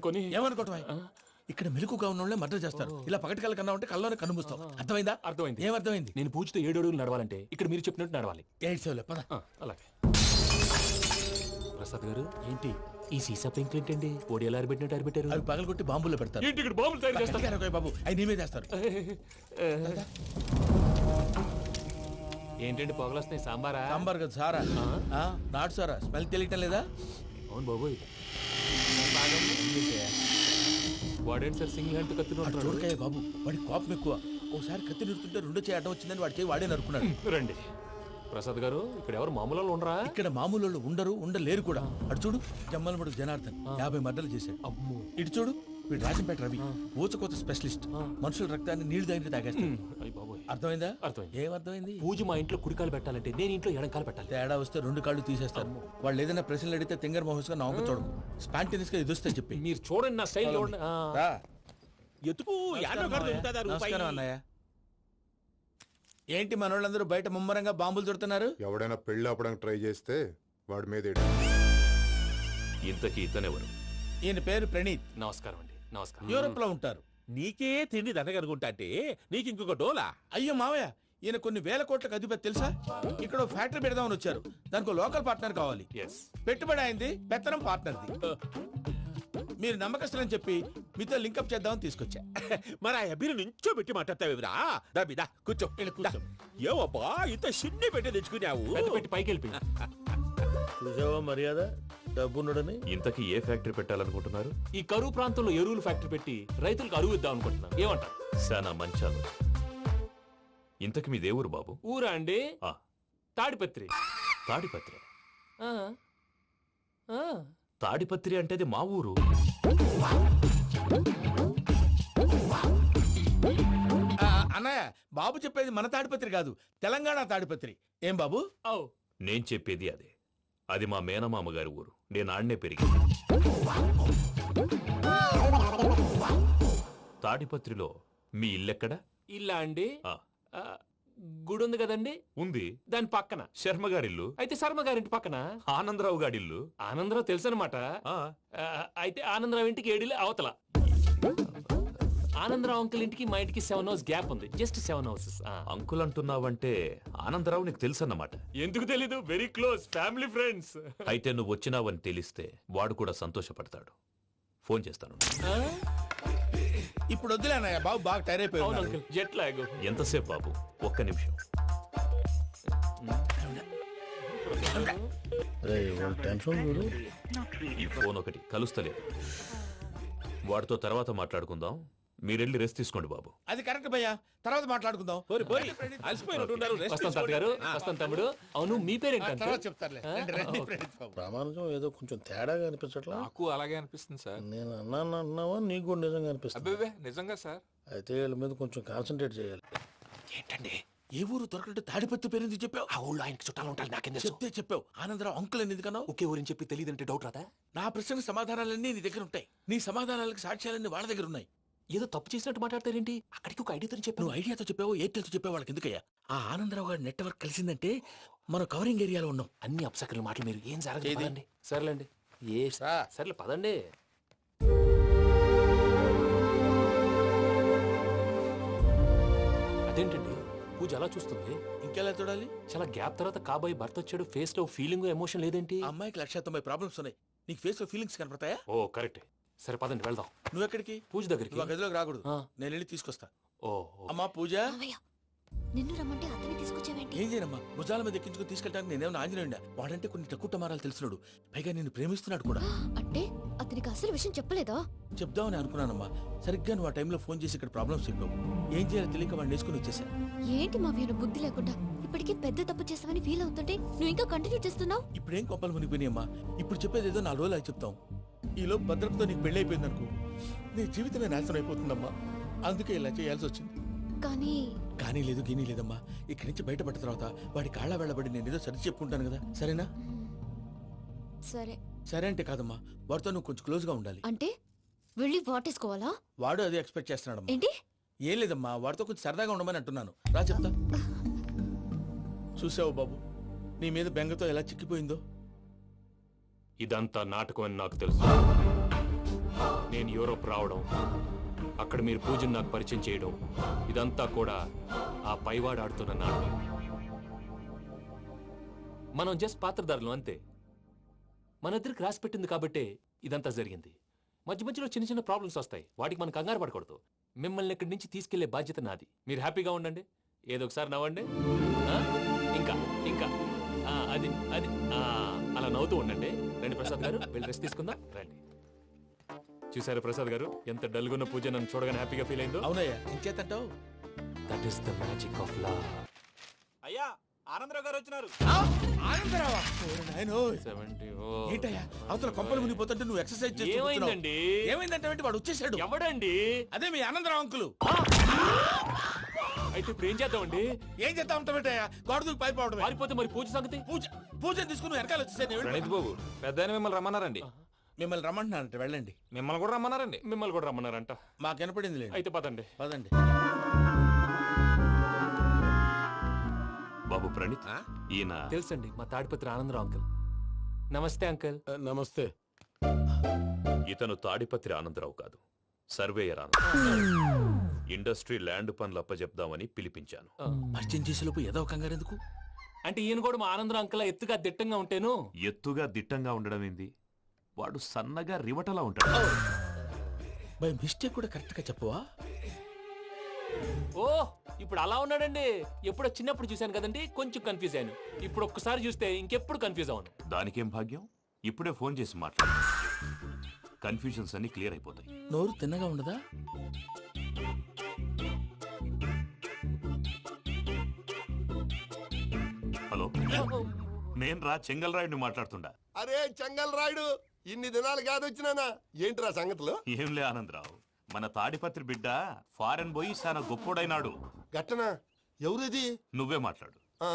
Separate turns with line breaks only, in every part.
కొని
ఏమనుకోవటం ఇక్కడ మెలకుగా ఉన్న వాళ్ళే మర్డర్ చేస్తారు. ఇలా పగటి కళ్ళ కన్నా ఉంటే కళ్ళలోనే కనుమూస్తాం. అర్థమైందా?
అర్థమైంది.
ఏమర్థమైంది?
నేను పూజతో 7 అడుగులు నడవాలంటే ఇక్కడ మీరు చెప్పినట్టు నడవాలి.
8 పద.
అలాగే. ప్రసాద్ గారు ఏంటి ఈ సీసా పెంకులు ఏంటండి? పొడి ఎలా అరబెట్టినట్టు అరబెట్టారు?
అవి పగలగొట్టి బాంబుల్లో పెడతారు.
ఏంటి ఇక్కడ బాంబులు తయారు చేస్తారు?
గట్టిగా అరవై బాబు, అవి నీమే చేస్తారు.
ఏంటండి పొగలొస్తున్నాయి? సాంబారా?
సాంబార్ కదా సారా. నాటు సారా. స్మెల్ తెలియటం లేదా?
అవును బాబోయ్. వాడేంటి సార్ సింగిల్ హ్యాండ్ కత్తి
చూడకాయ బాబు, వాడి కోపం ఎక్కువ. ఒకసారి కత్తి నిరుతుంటే 2 చేయి అడ్డం వచ్చిందని వాడి చేయి వాడే నరుకున్నాడు.
రండి ప్రసాద్ గారు, ఇక్కడ ఎవరు మామూలు వాళ్ళు ఉండరా?
ఇక్కడ మామూలు వాళ్ళు ఉండలేరు కూడా. అటు చూడు, జమ్మలమడు జనార్దన్ 50 మర్డర్లు చేశాడు.
అమ్మో.
ఇటు చూడు, వీడు రాజంపేట రవి ఊచకోత స్పెషలిస్ట్. మనుషుల రక్తాన్ని నీళ్లు దగ్గర తాగేస్తాడు. అర్థమైందా?
అర్థమైంది.
ఏమర్థమైంది?
పూజ మా ఇంట్లో కుడికాలు పెట్టాలంటే నేను ఇంట్లో ఎడంకాలు పెట్టాలి.
తేడా వస్తే 2 కాళ్ళు తీసేస్తారు. వాళ్ళు ఏదైనా ప్రశ్నలు అడిగితే తింగర్ మహోస్ గా నవ్వు చూడకు. స్పాంటినియస్ గా ఎదుస్తా చెప్పి.
మీరు చూడండి నా స్టైల్.
ఎతుకు
నమస్కారం అన్నయ్య. ఏంటి మనోళ్ళందరూ బయట ముమ్మరంగా బాంబులు చుడుతున్నారు?
ఎవడైనా పెళ్లి ఆపడానికి ట్రై చేస్తే వాడి మీద
ఇంతకీ ఇతనెవరు?
ఈయన పేరు ప్రణీత్.
నమస్కారం అండి. నమస్కారం.
యూరోప్ లో ఉంటారు.
నీకే తిండి దండగనుకుంటా అంటే నీకు ఇంకొక డోలా?
అయ్యో మావయ్య, ఈయన కొన్ని వేల కోట్లకు అధిపతి తెలుసా? ఇక్కడ ఓ ఫ్యాక్టరీ పెడదామని వచ్చారు. దానికి లోకల్ పార్ట్నర్ కావాలి.
Yes.
పెట్టుబడి అయింది, పెత్తనం పార్ట్నర్ది. మీరు నమ్మకస్తులని చెప్పి మీతో లింకప్ చేద్దామని తీసుకొచ్చా.
మరి ఆ అబ్బిని నుంచో పెట్టి మాట్లాడతావేమిరా? దాబిదా కూర్చో.
కూర్చో.
ఏవబ్బా ఇంత సిన్ని పెట్టి తెచ్చుకున్నావు?
పెద్ద పెట్టి పైకి వెళ్ళిపోయి.
చూసావా మర్యాద, డబ్బున్నడని.
ఇంతకీ ఏ ఫ్యాక్టరీ పెట్టాలనుకుంటున్నారు?
ఈ కరువు ప్రాంతంలో ఎరువులు ఫ్యాక్టరీ పెట్టి రైతులకు అరువు ఇద్దాం అనుకుంటున్నాను. ఏమంటారు?
శానా మంచాలు. ఇంతకి మీ దేవురు బాబు?
ఊరా అండి?
ఆ,
తాడిపత్రి.
తాడిపత్రి.
ఆ. ఆ.
తాడిపత్రి అంటే అది మా ఊరు.
అన్నయ్య, బాబు చెప్పేది మన తాడిపత్రి కాదు, తెలంగాణ తాడిపత్రి. ఏం బాబు?
నేను చెప్పేది అదే. అది మా మేనమామ గారి ఊరు. నేను ఆడనే పెరిగి. తాడిపత్రిలో మీ ఇల్లెక్కడ?
ఇల్లా అండి?
ఆ,
గుడి ఉంది కదండి,
ఉంది.
దాని పక్కన
శర్మ గారిల్లు.
అయితే శర్మ గారింటి పక్కన
ఆనందరావు గారిల్లు.
ఆనందరావు తెలుసు అనమాట. అయితే ఆనందరావు ఇంటికి 7 అవతల. ఆనందరావు అంకుల్ ఇంటికి మా ఇంటికి 7 హౌస్ గ్యాప్ ఉంది. Just 7 houses.
అంకుల్ అంటున్నావంటే ఆనందరావు నీకు తెలుసు అన్నమాట.
ఎందుకు తెలీదు? Very close family friends.
అయితే నువ్వు వచ్చినావని తెలిస్తే వాడు కూడా సంతోషపడతాడు. ఫోన్ చేస్తాను.
ఇప్పుడు వద్దులే అన్నయ్య, బాబు బాగా టైర్
అవును
అయిపోయాడు.
Uncle, jet lag.
ఎంతసేపు బాబు? ఒక్క నిమిషం. ఈ ఫోన్ ఒకటి కలుస్తలేదు. వాడితో తర్వాత మాట్లాడుకుందాం. మీరెళ్ళి రెస్ట్ తీసుకోండి బాబు.
అది కరెక్ట్ భయ్యా, తర్వాత మాట్లాడుకుందాం.
అలసిపోయినట్టున్నారు. రెస్ట్
వస్తాం తాత గారు, వస్తాం తమ్ముడు. అవును, మీ పేరేంటి?
తర్వాత చెప్తారులే. రండి, ప్రణీత్ బాబు.
ప్రామాణికం ఏదో కొంచెం తేడాగా అనిపించట్లా?
నాకు అలాగే అనిపిస్తుంది సార్.
నేను అన్నాను అంటున్నావా, నీకు కూడా నిజంగా అనిపిస్తుంది?
అబ్బే నిజంగా సార్.
అయితే వీళ్ళ మీద కొంచెం కాన్సన్ట్రేట్ చేయాలి.
ఏంటండి
ఏ ఊరు దొరకట్టు తాడిపత్రి పేరు ఎందుకు చెప్పావు?
ఆ ఊళ్ళో ఆయనకి చుట్టాలు ఉంటారు. నాకేం తెలుసు?
చెప్తే చెప్పావు. ఆనందరావు అంకుల్ అని ఎందుకన్నావు?
ఒకే ఊరిని చెప్పి తెలియదంటే డౌట్ రాదా?
నా ప్రశ్నకు సమాధానాలన్నీ నీ దగ్గర ఉంటాయి. నీ సమాధానాలకు సాక్ష్యాలన్నీ వాళ్ళ దగ్గర ఉన్నాయి.
ఏదో తప్పు చేసినట్టు మాట్లాడతారేంటి? అక్కడికి ఒక ఐడియాతో చెప్పాను.
నువ్వు ఐడియాతో చెప్పావు, ఎయిర్టెల్తో చెప్పావు, వాళ్ళకి ఎందుకయ్యా? ఆ ఆనందరావు గారి నెట్వర్క్ కలిసిందంటే మనం కవరింగ్ ఏరియాలో ఉన్నాం.
అన్ని అప్సకర్ల మాటలు మీరు ఏం జరగదండి. సర్లేండి. సర్లే పదండి. అదేంటండి పూజ అలా చూస్తుంది?
ఇంకెలా చూడాలి?
చాలా గ్యాప్ తర్వాత కాబోయే భర్త వచ్చాడు. ఫేస్ లో ఫీలింగ్ ఎమోషన్ లేదేంటి?
ఆ అమ్మాయికి 190 ప్రాబ్లమ్స్ ఉన్నాయి. నీకు ఫేస్ లో ఫీలింగ్స్ కనపడతాయా?
ఓ కరెక్ట్. సరే పదండి వెళ్దాం.
నువ్వు ఎక్కడికి?
పూజ దగ్గరికి.
నువ్వు ఆ గదిలోకి రాకూడదు.
ఆ.
నేను వెళ్ళి తీసుకొస్తా.
ఓ
అమ్మా పూజ.
మావయ్య, నిన్ను రమ్మంటే అతన్ని తీసుకొచ్చావేంటి?
ఏం చేయనమ్మా, భుజాల మీద ఎక్కించుకుని తీసుకెళ్ళడానికి నేనేమన్నా ఆంజనేయుడా? వాడంటే కొన్ని తక్కువ టమారాలు తెలుసున్నాడు, పైగా నేను ప్రేమిస్తున్నాడు కూడా.
అంటే అతనికి అసలు విషయం చెప్పలేదా?
చెప్దామని అనుకున్నానమ్మా. సరిగ్గా నువ్వు ఆ టైంలో ఫోన్ చేసి ఇక్కడ ప్రాబ్లమ్స్ చెప్పావు. ఏం చేయాలో తెలియక వాడిని వేసుకుని వచ్చేసా.
ఏంటి మావయ్య బుద్ధి లేకుండా? ఇప్పటికీ పెద్ద తప్పు చేసావని ఫీల్ అవుతుంటే నువ్వు ఇంకా కంటిన్యూ చేస్తున్నావు.
ఇప్పుడేం కొప్పలు మునిగిపోయినాయమ్మా. ఇప్పుడు చెప్పేది ఏదో 4 రోజులు అది చెప్తాం. ఈలో భద్రతతో నీకు పెళ్లి అయిపోయింది అనుకో, నీ జీవితమే నాశనం అయిపోతుందమ్మా. అందుకే ఇలా చేయాల్సి వచ్చింది.
కానీ
లేదు గీనీ లేదమ్మా. ఇక్కడి నుంచి బయటపడ్డ తర్వాత వాడి కాళ్ళ వెళ్ళబడి నేను ఏదో సరి చెప్పుకుంటాను కదా, సరేనా?
సరే.
సరే అంటే కాదమ్మా, వాడితో నువ్వు కొంచెం క్లోజ్ గా ఉండాలి.
అంటే వెళ్ళి వాటేసుకోవాలా?
వాడు అదే ఎక్స్పెక్ట్ చేస్తున్నాడమ్మా.
ఏంటి?
ఏం లేదమ్మా, వాడితో కొంచెం సరదాగా ఉండమని అంటున్నాను. రా చెప్తా. చూసావు బాబు, నీ మీద బెంగతో ఎలా చిక్కిపోయిందో.
ఇదంతా నాటకం అని నాకు తెలుసు. నేను నేను యూరోప్ రావడం, అక్కడ మీరు పూజను నాకు పరిచయం చేయడం, ఇదంతా కూడా ఆ పైవాడు ఆడుతున్న నాటకం. మనం జస్ట్ పాత్రధారులు అంతే. మన ఇద్దరికి రాసి పెట్టింది కాబట్టే ఇదంతా జరిగింది. మధ్య మధ్యలో చిన్న చిన్న ప్రాబ్లమ్స్ వస్తాయి, వాటికి మనం కంగారు పడకూడదు. మిమ్మల్ని ఇక్కడి నుంచి తీసుకెళ్లే బాధ్యత నాది. మీరు హ్యాపీగా ఉండండి, ఏదో ఒకసారి నవ్వండి. ఆ? ఇంకా ఇంకా అది అది అలా నవ్వుతూ ఉండండి. రండి ప్రసాద్ గారు, వెళ్ళి రెస్ట్ తీసుకుందాం రండి. చూసారా ప్రసాద్ గారు, ఎంత డల్గున్న పూజ నన్ను చూడగానే హ్యాపీగా ఫీల్ అయిందో.
అవునయ్యా, ఇంకేతంటావు?
That is the magic of love.
అయ్యా ఆనందరావు గారు వచ్చినారు.
ఆనందరావా? ఓరి నాయనో.
70.
ఏంటయ్యా అవతల కొంపలు మునిగిపోతుంటే నువ్వు ఎక్సర్సైజ్ చేస్తూ
ఏమైందండి?
ఏమైందంటే వాడు వచ్చేసాడు.
ఎవడండి?
అదే మీ ఆనందరావు అంకులు.
అయితే ఇప్పుడు ఏం చేద్దామండి?
ఏం చేస్తా ఉంటావేటయ్యా? గోడ దూకి పైపోవడం.
పారిపోతే మరి పూజ సంగతి?
పూజ తీసుకుని వెనకాల వచ్చేసాను.
ప్రణీత్ బాబు, పెద్ద ఆయన మిమ్మల్ని రమ్మన్నారండి.
మిమ్మల్ని రమ్మంటున్నానంటే వెళ్ళండి.
మిమ్మల్ని కూడా రమ్మన్నారండి.
మిమ్మల్ని కూడా రమ్మన్నారంట.
మాకు వినపడింది లేండి.
అయితే పదండి.
పదండి.
బాబు ప్రణీత్, ఈయన
తెలుసండి, మా తాడిపత్రి ఆనందరావు అంకుల్. నమస్తే అంకుల్.
నమస్తే.
ఇతను తాడిపత్రి ఆనందరావు కాదు, సర్వేయర్ ఆనందరావు. ఇండస్ట్రీ ల్యాండ్ పనులు అప్పజెప్దామని పిలిపించాను.
పరిచయం చేసేలోపు ఏదో కంగారు ఎందుకు?
అంటే ఈయన కూడా మా ఆనందరావు అంకుల్ ఎత్తుగా దిట్టంగా ఉంటేను.
ఎత్తుగా దిట్టంగా ఉండడం ఏంది, వాడు సన్నగా రివటలా ఉంటాడు.
బై మిస్టేక్ కూడా కరెక్ట్ గా చెప్పవా?
ఓ ఇప్పుడు అలా ఉన్నాడండి. ఎప్పుడో చిన్నప్పుడు చూశాను కదండి, కొంచెం కన్ఫ్యూజ్ అయ్యాను. ఇప్పుడు ఒక్కసారి చూస్తే ఇంకెప్పుడు కన్ఫ్యూజ్ అవ్వను.
దానికేం భాగ్యం, ఇప్పుడే ఫోన్ చేసి మాట్లాడు. కన్ఫ్యూజన్స్ అన్ని క్లియర్ అయిపోతాయి.
నోరు తిన్నగా ఉండదా?
హలో, నేను రా చెంగల్రాయుడిని మాట్లాడుతుండా.
అరే చెంగల్ రాయుడు, ఇన్ని దినాలు కాదు వచ్చినానా? ఏంట్రా సంగతులు?
ఏంలే ఆనందరావు, మన తాడిపత్రి బిడ్డ ఫారెన్ పోయి చాలా గొప్పోడైనాడు.
గట్టనా? ఎవరిది?
నువ్వే మాట్లాడు.
ఆ,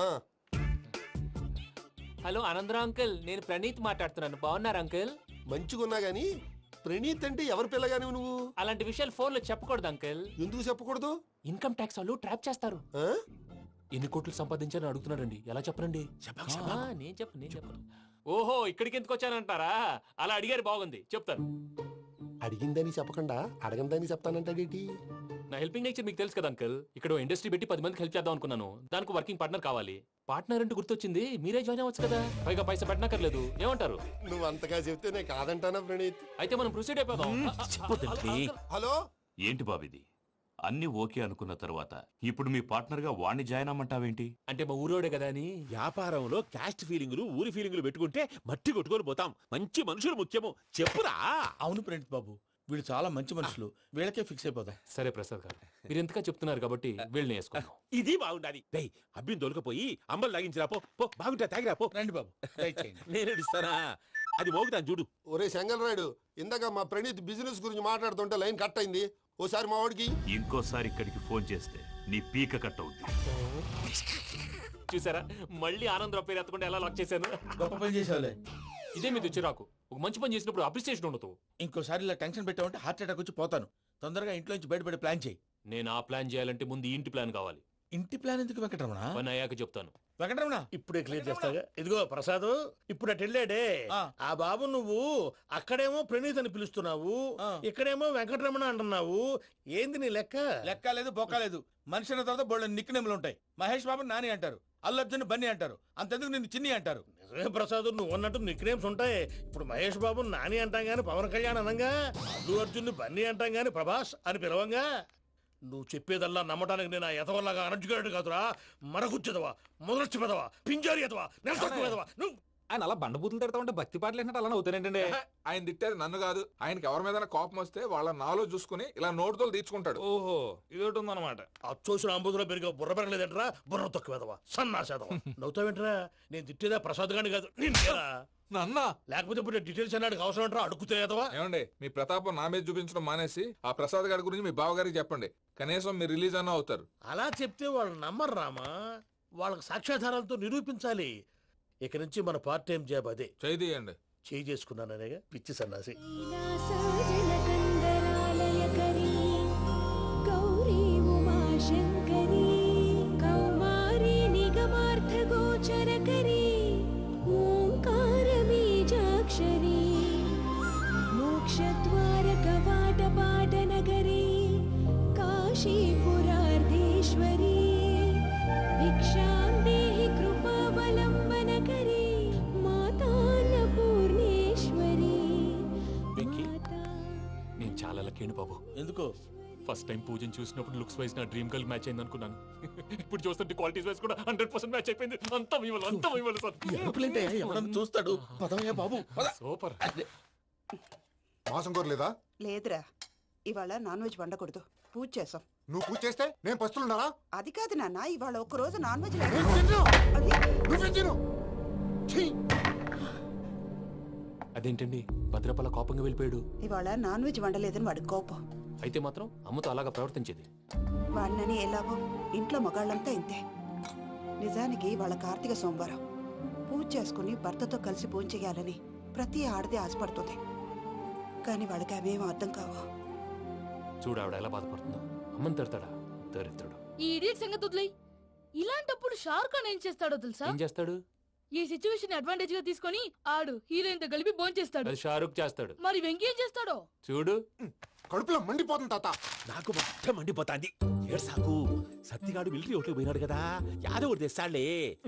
హలో ఆనందరావు అంకుల్, నేను ప్రణీత్ మాట్లాడుతున్నాను. బాగున్నారు అంకుల్?
మంచిగున్నా గాని ప్రణీత్ అంటే ఎవరి పిల్లగాని నువ్వు?
అలాంటి విషయాలు ఫోన్లో చెప్పకూడదు అంకుల్.
ఎందుకు చెప్పకూడదు?
ఇన్కమ్ ట్యాక్స్ వాళ్ళు ట్రాప్ చేస్తారు.
ఆ?
ఎన్ని కోట్లు సంపాదించాలని అడుగుతున్నారండి. ఎలా చెప్పరండి? నేను చెప్పను. ఓహో, ఇక్కడికి ఎందుకు వచ్చానంటారా? అలా అడిగారు, బాగుంది, చెప్తాను.
అడిగిందని చెప్పకుండా అడగందని చెప్తానంటాడేటి?
నా హెల్పింగ్ నేచర్ మీకు తెలుసు కదా అంకుల్. ఇక్కడ ఇండస్ట్రీ పెట్టి 10 మందికి హెల్ప్ చేద్దాం అనుకున్నాను. దానికి వర్కింగ్ పార్ట్నర్ కావాలి. పార్ట్నర్ అంటే గుర్తొచ్చింది, మీరే జాయిన్ అవ్వచ్చు కదా. పైగా పైసా పెట్టనక్కర్లేదు. ఏమంటారు?
నువ్వు అంతగా చెప్తేనే కాదంటానా ప్రణీత్?
అయితే మనం ప్రొసీడ్ అయిపోదాం.
హలో,
ఏంటి బాబిది, అన్ని ఓకే అనుకున్న తర్వాత ఇప్పుడు మీ పార్ట్నర్ గా వాణ్ణి జాయిన్ అమ్మంటావేంటి?
అంటే మా ఊరోడే కదా అని.
వ్యాపారంలో క్యాస్ట్ ఫీలింగులు, ఊరి ఫీలింగులు పెట్టుకుంటే మట్టి కొట్టుకొని పోతాం. మంచి మనుషులు ముఖ్యము. చెప్పురా.
అవును ప్రణీత్ బాబు, వీళ్ళు చాలా మంచి మనుషులు. వీళ్ళకే ఫిక్స్ అయిపోదాం.
సరే ప్రసాద్ గారు, మీరు ఎంతగా చెప్తున్నారు కాబట్టి వీళ్ళని వేసుకుందాం.
ఇది బాగుండాలి. డేయ్, అబ్బిని దొలకపోయి అంబలు లాగించిరా పో. పో, బాగుంటా తాగిరా పో.
రండి బాబు, దయచేయండి.
నేను ఇస్తానా? అది మోగుతాను చూడు.
ఒరే చెంగల్ రాయుడు, ఇందాక మా ప్రణీత్ బిజినెస్ గురించి మాట్లాడుతుంటే లైన్ కట్ అయింది. ఓసారి మా వాడికి.
ఇంకోసారి ఇక్కడికి ఫోన్ చేస్తే నీ పీక కట్ అవుద్ది.
చూసారా, మళ్ళీ ఆనందరావు పేరు ఎత్తకుండా ఎలా లాక్ చేశాను.
గొప్ప పని చేసేవాళ్ళే.
ఇదే మీద చిరాకు. ఒక మంచి పని చేసినప్పుడు అప్రిసియేషన్ ఉండదు.
ఇంకోసారి ఇలా టెన్షన్ పెట్టామంటే హార్ట్ అటాక్ వచ్చి పోతాను. తొందరగా ఇంట్లో నుంచి బయటపడే ప్లాన్ చేయి.
నేను ఆ ప్లాన్ చేయాలంటే ముందు ఈ ఇంటి ప్లాన్ కావాలి.
ఇంటి ప్లాన్ ఎందుకు వెంకటరమణ?
పని అయ్యాక చెప్తాను.
వెంకటరమణ
ఇప్పుడే క్లియర్ చేస్తాగా. ఇదిగో ప్రసాద్, ఇప్పుడు అటు వెళ్ళాడే
ఆ.
ఆ బాబు, నువ్వు అక్కడేమో ప్రణీత్ అని పిలుస్తున్నావు,
ఆ.
ఇక్కడేమో వెంకటరమణ అంటున్నావు. ఏంది నీ లెక్క?
లెక్క లేదు, బొక్క లేదు. మనిషి అన్న తర్వాత బోళ్ళ నిక్నెములు ఉంటాయి. మహేష్ బాబు నాని అంటారు, అల్లు అర్జున్ బన్నీ అంటారు, అంతెందుకు నిన్ను చిన్ని అంటారు.
నిజమే ప్రసాద్, నువ్వు అన్నట్టు నిక్నేమ్స్ ఉంటాయి. ఇప్పుడు మహేష్ బాబు నాని అంటాం గాని పవన్ కళ్యాణ్ అనంగా, అల్లు అర్జున్ బన్నీ అంటాం గాని ప్రభాస్ అని పిలవంగా. నువ్వు చెప్పేదల్లా నమ్మటానికి నేను ఎతవల్లాగా అనర్జుకేటెడ్ కాదురా. మరగుచ్చదవా, మొదలచ్చి పెదవా, పింజారి ఎదవా, నెలసొక్కు పెదవా. నువ్వు
ఆయన అలా బండబూతులు తిడతా ఉంటే భక్తి పాటలు ఏంటంటే అలా అవుతానేంటండి. ఆయన తిట్టేది నన్ను కాదు. ఆయనకి ఎవరి మీద కోపం వస్తే వాళ్ళ నాలో చూసుకుని ఇలా నోటుతో తీర్చుకుంటాడు. ఓహో, ఇదొకటి ఉందన్నమాట.
అచ్చోసిన అంబుధులో పెరిగే బుర్ర పెరగలేదంటరా, బుర్ర తొక్కువేదవా, సన్నాసేదవా. నవ్వుతావేంటరా? నేను తిట్టేదా ప్రసాద్ గాని కాదు, నిన్నేరా.
నన్నా?
లేకపోతే ఇప్పుడు డీటెయిల్స్ అన్నాడు అవసరం అంటారా? అడుగుతాయేదవా.
ఏమండి, మీ ప్రతాపం నా మీద చూపించడం మానేసి ఆ ప్రసాద్ గారి గురించి మీ బావగారికి చెప్పండి. కనీసం మీరు రిలీజ్ అన్న అవుతారు.
అలా చెప్తే వాళ్ళు నమ్మరు రామా. వాళ్ళకి సాక్ష్యాధారాలతో నిరూపించాలి. ఇక నుంచి మన పార్ట్ టైం జాబ్ అదే.
చేయండి.
చేయి చేసుకున్నాననేగా పిచ్చి సన్నాసి.
लीलासाजलकन्दरालयकरी गौरी उमाशङ्करी कौमारी निगमार्थगोचरकरी ओङ्कारबीजाक्षरी मोक्षद्वारकवाटिका
కాశీపురార్ధేశ్వరీ భిక్షాం దేహి కృపావలంబనకరీ మాతాన్నపూర్ణేశ్వరీ.
వెంకీ, నేను చాలా లక్కీ బాబు.
ఎందుకో
ఫస్ట్ టైం పూజను చూసినప్పుడు లుక్స్ వైజ్ నా డ్రీమ్ గర్ల్ మ్యాచ్ అయింది అనుకున్నాను. ఇప్పుడు చూస్తుంటే క్వాలిటీస్ వైజ్ కూడా 100% మ్యాచ్ అయిపోయింది. అంతా మీ వల్ల, అంతా మీ వల్ల సార్.
ఎరుపులేంటే ఎవడన్నా చూస్తాడు. పదవయ్యా బాబు పద.
సూపర్.
మాసం కోరలేదా?
లేదురా, ఇవాళ నాన్ వెజ్ వండకూడదు, పూజ చేసాం.
నువ్వు పూజ చేస్తే నేను పస్తులున్నారా?
అది కాదు నాన్న, ఇవాళ ఒక్కరోజు నాన్ వెజ్
నువ్వే తిను. ఛీ!
అదేంటండి భద్రపల కోపంగా వెళ్ళిపోయాడు?
ఇవాళ నాన్ వెజ్ వండలేదని వాడి కోపం.
అయితే మాత్రం అమ్మతో అలాగా ప్రవర్తించేది.
వాడినని ఎలాగో ఇంట్లో మగాళ్ళంతా ఇంతే. నిజానికి వాళ్ళ కార్తీక సోమవారం పూజ చేసుకుని భర్తతో కలిసి పూజ చేయాలని ప్రతి ఆడది ఆశపడుతుంది. కానీ వాడికి అవేం అర్థం కావు.
చూడు ఆవిడ ఎలా బాధపడుతుందో. అమ్మని తిడతాడా దరిద్రుడు.
ఈ ఇడియట్ సంగతి వదిలేయ్. ఇలాంటప్పుడు షారుఖ్ ఖాన్ ఏం చేస్తాడో తెలుసా?
ఏం చేస్తాడు?
ఈ సిచ్యువేషన్ అడ్వాంటేజ్ గా తీసుకొని ఆడు హీరోయిన్ తో కలిపి బోన్ చేస్తాడు.
అది షారుఖ్ చేస్తాడు.
మరి వెంకీ ఏం చేస్తాడో
చూడు.
కడుపులో మండిపోతుంది తాత.
నాకు మొత్తం మండిపోతాంది. ఏడు సాకు సత్తిగాడు మిలిటరీ ఓట్లు పోయినాడు కదా, యాదవ్ ఒకటి తెస్తాడులే.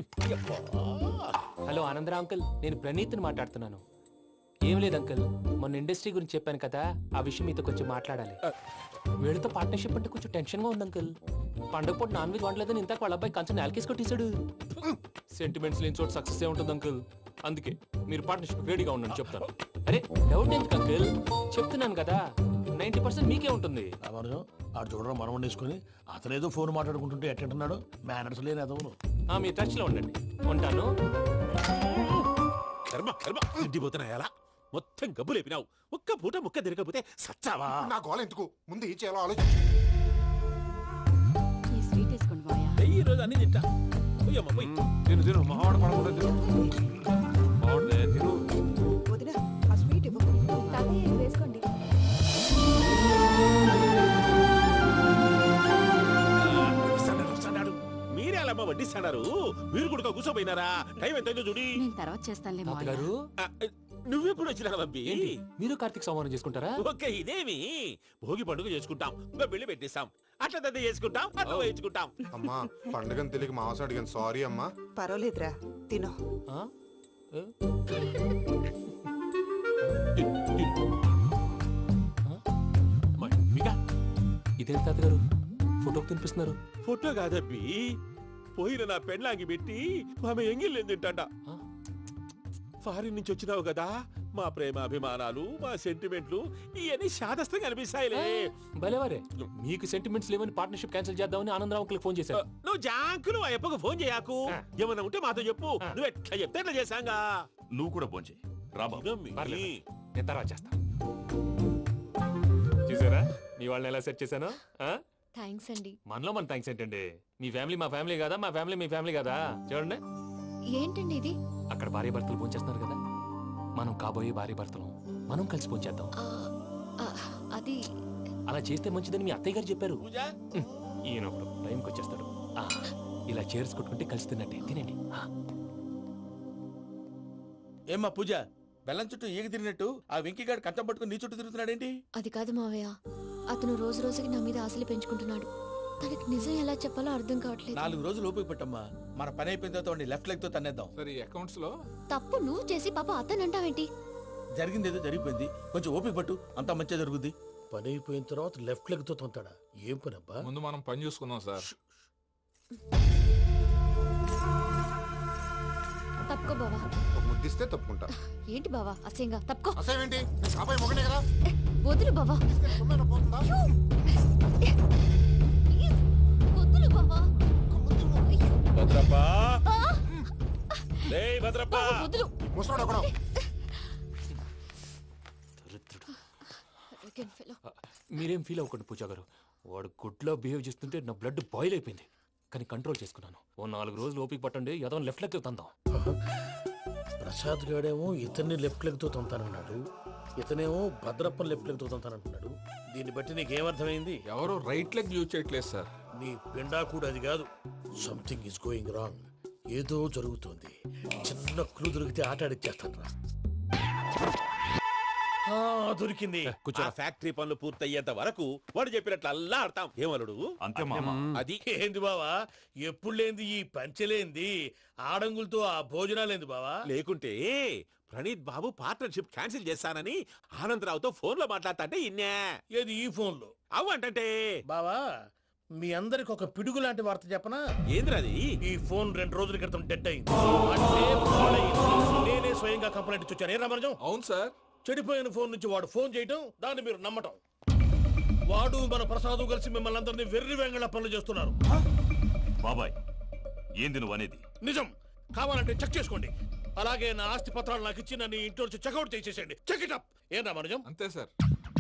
హలో ఆనందరా అంకుల్, నేను ప్రణీత్ని మాట్లాడుతున్నాను. ఏం లేదు అంకుల్, మొన్న ఇండస్ట్రీ గురించి చెప్పాను కదా, ఆ విషయం మీతో కొంచెం మాట్లాడాలి. వీళ్ళతో పార్ట్నర్షిప్ అంటే కొంచెం టెన్షన్ గా ఉంది అంకుల్. పండగ పూట నాన్ వెజ్ వండలేదని ఇంతకు వాళ్ళ అబ్బాయి కంచెం నేలకేసి కొట్టేశాడు. సెంటిమెంట్స్ లేని చోట సక్సెస్ ఏ ఉంటుంది అంకుల్. అందుకే మీరు పార్ట్నర్షిప్ రెడీగా ఉండండి చెప్తాను. అరే డౌట్ ఎందుకు అంకుల్, చెప్తున్నాను కదా 90% మీకే ఉంటుంది.
రామానుజం ఆడు చూడడం మనం వండేసుకుని అతనేదో ఫోన్ మాట్లాడుకుంటుంటే ఎట్టంటున్నాడు. మేనర్స్ లేని అదవును.
మీ టచ్ లో ఉండండి. ఉంటాను.
కర్మ కర్మ తిండిపోతున్నాయలా మొత్తం గబ్బు లేపినావు. ఒక్క పూట ముక్క తిరగకపోతే సచ్చావా?
నా గోల ఎందుకు, ముందు ఏం చేయాలో ఆలోచించు.
ఈ స్వీట్ వేసుకోండి బాయా.
ఈ రోజు అన్ని తింటా. పోయమ్మ పోయి.
తిను తిను మావాడు పడకుండా తిను. మావాడే తిను.
వదిన ఆ స్వీట్ ఇవ్వు.
తాతయ్య ఇది వేసుకోండి.
వస్తాడు. మీరే అలా వడ్డిస్తాడారు. మీరు కూడా కూర్చోపోయినారా? టైం ఎంతైందో చూడి.
నేను తర్వాత చేస్తానులే మావయ్య.
తాతగారు
నువ్వెప్పుడు వచ్చినా బంబి?
ఏంటి మీరు కార్తీక సంహారం చేసుకుంటారా?
ఓకే, ఇదేమి భోగి పండుగ చేసుకుంటాం, ఇంకా పెళ్లి పెట్టిస్తాం, అట్లా దద్ద చేసుకుంటాం, అట్లా వేయించుకుంటాం.
అమ్మా పండుగని తెలియక మాసం అడిగాను, సారీ అమ్మా.
పర్వాలేదురా, తినో.
ఆ? ఏ? ఇదేంటి తాతగారు ఫోటోకి తినిపిస్తున్నారు?
ఫోటో కాదబ్బి, పోయిన నా పెళ్ళాంగి పెట్టి ఆమె ఎంగిల్లేం తింటాడ. ఫారిన్ నుంచి వచ్చినావు కదా, మా ప్రేమ అభిమానాలు, మా సెంటిమెంట్లు ఇవన్నీ శాదస్తంగా అనిపిస్తాయిలే.
భలేవారే, మీకు సెంటిమెంట్స్ లేవని పార్ట్నర్షిప్ క్యాన్సిల్ చేద్దామని ఆనందరావు అంకుల్ ఫోన్ చేశారు.
నువ్వు జాంకులు ఆ అప్పకు ఫోన్ చేయకు. ఏమన్నా ఉంటే మాతో చెప్పు. నువ్వు ఎట్లా చెప్తే ఎట్లా చేశాంగా.
నువ్వు కూడా ఫోన్ చేయి.
పర్లేదు, నేను తర్వాత చేస్తా. చూసారా మీ వాళ్ళని ఎలా సెట్ చేశాను?
థ్యాంక్స్ అండి.
మనలో మన థ్యాంక్స్ ఏంటండి? మీ ఫ్యామిలీ మా ఫ్యామిలీ కదా, మా ఫ్యామిలీ మీ ఫ్యామిలీ కదా. చూడండి,
ఏంటండి ఇది?
అక్కడ భార్య భర్తలు పోంచేస్తున్నారు కదా, మనం కాబోయే భార్య భర్తలు మనం కలిసి పోంచేద్దాం.
అది
అలా చేస్తే మంచిదని మీ అత్తయ్య గారు చెప్పారు. ఈయన ఒకడు టైంకి వచ్చేస్తాడు. ఇలా చేర్స్ కొట్టుకుంటే కలిసి తిన్నట్టే. తినండి.
ఏమ్మా పూజ, బెల్లం చుట్టూ ఈగ తిరిగినట్టు ఆ వెంకీగాడు కంచం పట్టుకుని నీ చుట్టూ తిరుగుతున్నాడేంటి?
అది కాదు మావయ్య, అతను రోజు రోజుకి నా మీద ఆశలు పెంచుకుంటున్నాడు. తనకి నిజం ఎలా చెప్పాలో అర్థం కావట్లేదు.
4 రోజులు ఓపిక పట్టమ్మా, మన పని అయిపోయిన తర్వాత లెఫ్ట్ లెగ్ తో తన్నేద్దాం.
సరే అకౌంట్స్ లో
తప్పు నువ్వు చేసి పాప అతను అంటావేంటి?
జరిగింది ఏదో జరిగిపోయింది, కొంచెం ఓపిక పట్టు, అంతా మంచిగా జరుగుద్ది. పని అయిపోయిన తర్వాత లెఫ్ట్ లెగ్ తో తొంతాడా? ఏం పని అబ్బా?
ముందు మనం పని చూసుకుందాం సార్.
తప్పుకో బావా.
ఒక ముద్దిస్తే తప్పుకుంటా.
ఏంటి బావా అసహ్యంగా? తప్పుకో.
అసేమేంటి, కాబోయే మొగనే కదా.
వదులు బావా.
సొమ్మేనా పోతుందా?
ప్లీజ్, వదులు బావా.
భద్రప్పా, భద్రప్ప,
వదులు.
ముసలోడు ఒకడు.
మీరేం ఫీల్ అవ్వకండి పూజా గారు. వాడు గుడ్లో బిహేవ్ చేస్తుంటే నా బ్లడ్ బాయిల్ అయిపోయింది. కానీ కంట్రోల్ చేసుకున్నాను. ఓ 4 రోజులు ఓపిక పట్టండి, ఏదో లెఫ్ట్ లెగ్ తందాం.
ప్రసాద్ గాడేమో ఇతన్ని లెఫ్ట్ లెగ్ తో తొంతానన్నాడు, ఇతనేమో భద్రప్ప లెఫ్ట్ లెగ్ తో తొంతానంటున్నాడు. దీన్ని బట్టి నీకేమర్థమైంది?
ఎవరు రైట్ లెగ్ యూజ్ చేయట్లేదు సార్.
నీ పిండా కూడా అది కాదు. Something is going wrong. ఏదో జరుగుతోంది. చిన్న క్లూ దొరికితే ఆట ఆడిచ్చేస్తాను రా.
దొరికింది.
ఆ ఫ్యాక్టరీ పనులు పూర్తయ్యేంత వరకు వాడు చెప్పినట్లు అల్లా ఆడతాం ఏమలుడు
అంతే మామ.
అది
ఏంది బావా ఎప్పుడు లేంది ఈ పంచలేంది ఆడంగులతో ఆ భోజనాలేంది బావా?
లేకుంటే ప్రణీత్ బాబు పార్ట్నర్షిప్ క్యాన్సిల్ చేస్తానని ఆనందరావుతో ఫోన్ లో మాట్లాడతాంటే ఇన్నే
ఏది ఈ ఫోన్లో?
అవ్వంటే
బావా మీ అందరికి ఒక పిడుగు లాంటి వార్త చెప్పనా?
ఏంద్రది?
ఈ ఫోన్ 2 రోజుల క్రితం డెడ్ అయింది. అంటే పాడైంది. నేనే స్వయంగా కంప్లైంట్ ఇచ్చి వచ్చాను. ఏ రామరాజం?
అవును సార్.
చెడిపోయిన ఫోన్ నుంచి వాడు ఫోన్ చేయటం, దాన్ని మీరు నమ్మటం. వాడు మన ప్రసాదు కలిసి మిమ్మల్ని అందరినీ వెర్రి వెంగళ పనులు చేస్తున్నారు.
బాబాయ్ ఏంది నువ్వు అనేది?
నిజం. కావాలంటే చెక్ చేసుకోండి. అలాగే నా ఆస్తి పత్రాలు నాకు ఇచ్చి నన్ను ఇంట్లో నుంచి చెక్అౌట్ చేసేసండి. Check it up. ఏం రామరాజం?
అంతే సార్.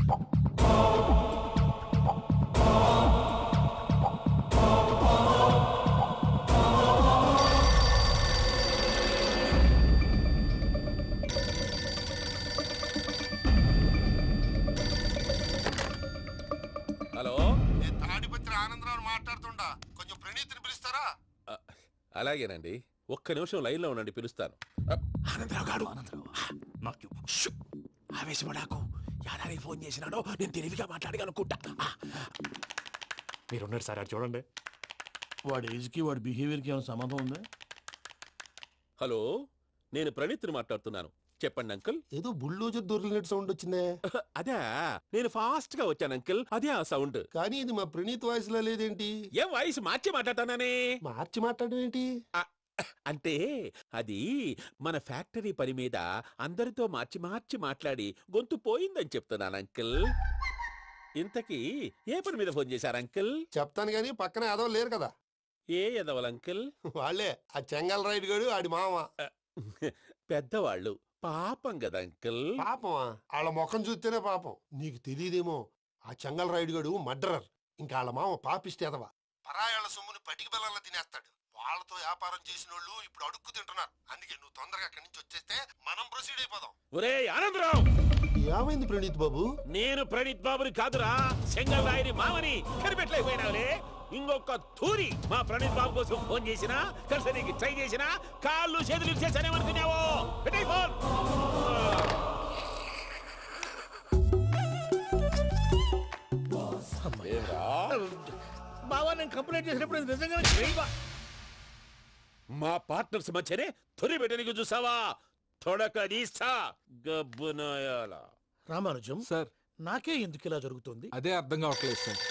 హలో,
నేను తాడిపత్రి ఆనందరావు మాట్లాడుతుండా, కొంచెం ప్రణీతిని పిలుస్తారా?
అలాగేనండి. ఒక్క నిమిషం లైన్ లో ఉండండి, పిలుస్తాను. ఆనందరావు గాడు ఆవేశపడాకు. యాదానికి ఫోన్ చేసినాడో నేను తెలివిగా మాట్లాడగలనుకుంటా.
మీరున్నారు సార్, అది చూడండి.
వాడి ఏజ్కి వాడి బిహేవియర్కి ఏమైనా సంబంధం ఉందా?
హలో, నేను ప్రణీత్ని మాట్లాడుతున్నాను. చెప్పండి అంకుల్.
ఏదో బుల్డోజర్ దొరికినట్టు సౌండ్ వచ్చిందే.
అదే, నేను ఫాస్ట్ గా వచ్చాను అంకుల్. అదే ఆ సౌండ్.
కానీ ఇది మా ప్రణీత్ వాయిస్ లో లేదేంటి?
ఏ వాయిస్ మార్చి మాట్లాడతానే?
మార్చి మాట్లాడడం ఏంటి?
అంటే అది మన ఫ్యాక్టరీ పని మీద అందరితో మార్చి మార్చి మాట్లాడి గొంతు పోయిందని చెప్తున్నాను అంకుల్. ఇంతకీ ఏ పని మీద ఫోన్ చేశారు అంకుల్?
చెప్తాను గానీ పక్కన ఏదో లేరు కదా.
ఏ ఎదవలు అంకుల్?
వాళ్ళే ఆ చెంగల్ రైడ్ గడు ఆడి మామ.
పెద్దవాళ్ళు పాపం కదా అంకుల్.
పాపమా? వాళ్ళ ముఖం చూస్తేనే పాపం. నీకు తెలియదేమో, ఆ చెంగల్ రైడ్ గడు మర్డరర్. ఇంకా వాళ్ళ మామ పాపిస్తే ఎదవా. పరాయాళ్ళ సొమ్ముని పటికి బెల్లంలో తినేస్తాడు. వాళ్ళతో వ్యాపారం చేసిన వాళ్ళు ఇప్పుడు అడుక్కు తింటున్నారు. అందుకే నువ్వు తొందరగా అక్కడి నుంచి వచ్చేస్తే మనం ప్రొసీడ్ అయిపోదాం.
ఒరే ఆనందరావు,
ఏమైంది ప్రణీత్ బాబు?
నేను ప్రణీత్ బాబుని కాదురా, సెంగల్ రాయని మామని. కనిపెట్టలేకపోయినావులే. ఇంకొక తూరి మా ప్రణీత్ బాబు కోసం ఫోన్ చేసినా, కలిసి నీకు ట్రై చేసినా, కాళ్ళు చేతులు ఇచ్చేసానేమనుకున్నావు. పెట్టే ఫోన్.
బావా నేను కంప్లైంట్ చేసినప్పుడు ఇది నిజంగానే చేయవా?
మా పార్ట్నర్స్ మధ్యనే తొలి పెట్టడానికి చూసావా? తొడక నీస్తా గబ్బునాయాల.
రామానుజం
సార్
నాకే ఎందుకు ఇలా జరుగుతుంది?
అదే అర్థం కావట్లేదు సార్.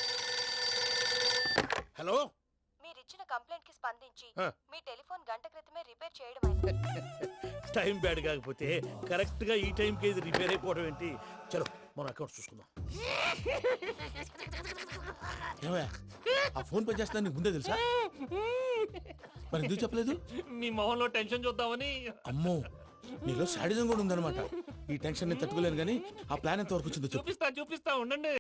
హలో,
మీరిచ్చిన కంప్లైంట్ కి స్పందించి
ఆ.
మీ టెలిఫోన్ గంట క్రితమే రిపేర్ చేయడం
టైం బ్యాడ్ కాకపోతే కరెక్ట్ గా ఈ టైంకి ఇది రిపేర్ అయిపోవడం ఏంటి? చలో మన అకౌంట్ చూసుకుందాం.
ఏమయ్యా, ఆ ఫోన్ పని చేస్తున్నా నీకు ముందే తెలుసా? మరి ఎందుకు చెప్పలేదు?
మీ మొహంలో టెన్షన్ చూద్దామని.
అమ్మో, నీలో శాడిజం కూడా ఉందన్నమాట. ఈ టెన్షన్ నేను తట్టుకోలేను కానీ ఆ ప్లాన్ ఎంత వరకు వచ్చిందో చెప్పు.
చూపిస్తా ఉండండి.